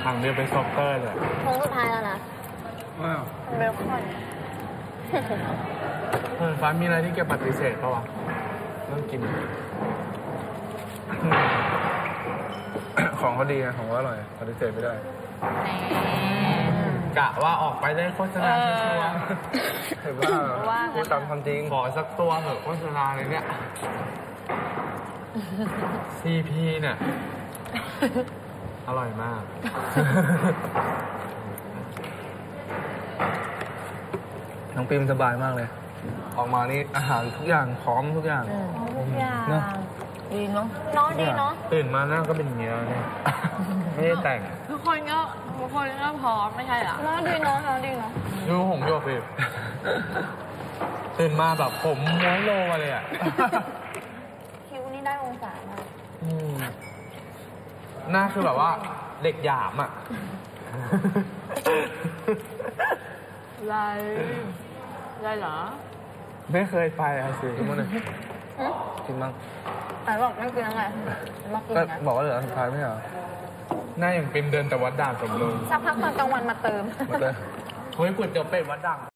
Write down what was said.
ทางเดียวไปซ็อกเกอร์เลยโค้งสุดท้ายแล้วนะว้าวเบลคอนฟ้ามีอะไรที่แกปฏิเสธปะวะต้องกินของเขาดีนะของเขาอร่อยปฏิเสธไม่ได้กะว่าออกไปได้โฆษณาชัวร์เห็นว่าพูดตามความจริงขอสักตัวเถอะโฆษณาเลยเนี่ย CP เนี่ยอร่อยมากน้องปิมสบายมากเลยออกมานี่อาหารทุกอย่างพร้อมทุกอย่างทุกอย่างดีเนาะดีเนาะตื่นมาหน้าก็เป็นอย่างนี้แล้วเนี่ยไม่ได้แต่งทุกคนก็พร้อมไม่ใช่เหรอดีเนาะดีเนาะดูผมโยกสิตื่นมาแบบผมม้วนโลมาเลยอ่ะคิ้วนี่ได้องศามากหน้าคือแบบว่าเด็กหยามอ่ะอะไรเหรอไม่เคยไปอ่ะสิกินมั้งเลยกินมั้งแต่บอกไม่กินแล้วไงมากินนะบอกว่าเหลือสุดท้ายไม่เหรอหน้าอย่างเป็นเดินแต่วัดด่านสมบูรณ์สักพักตอนกลางวันมาเติมเฮ้ยก๋วยเตี๋ยวเป็ดวัดด่าน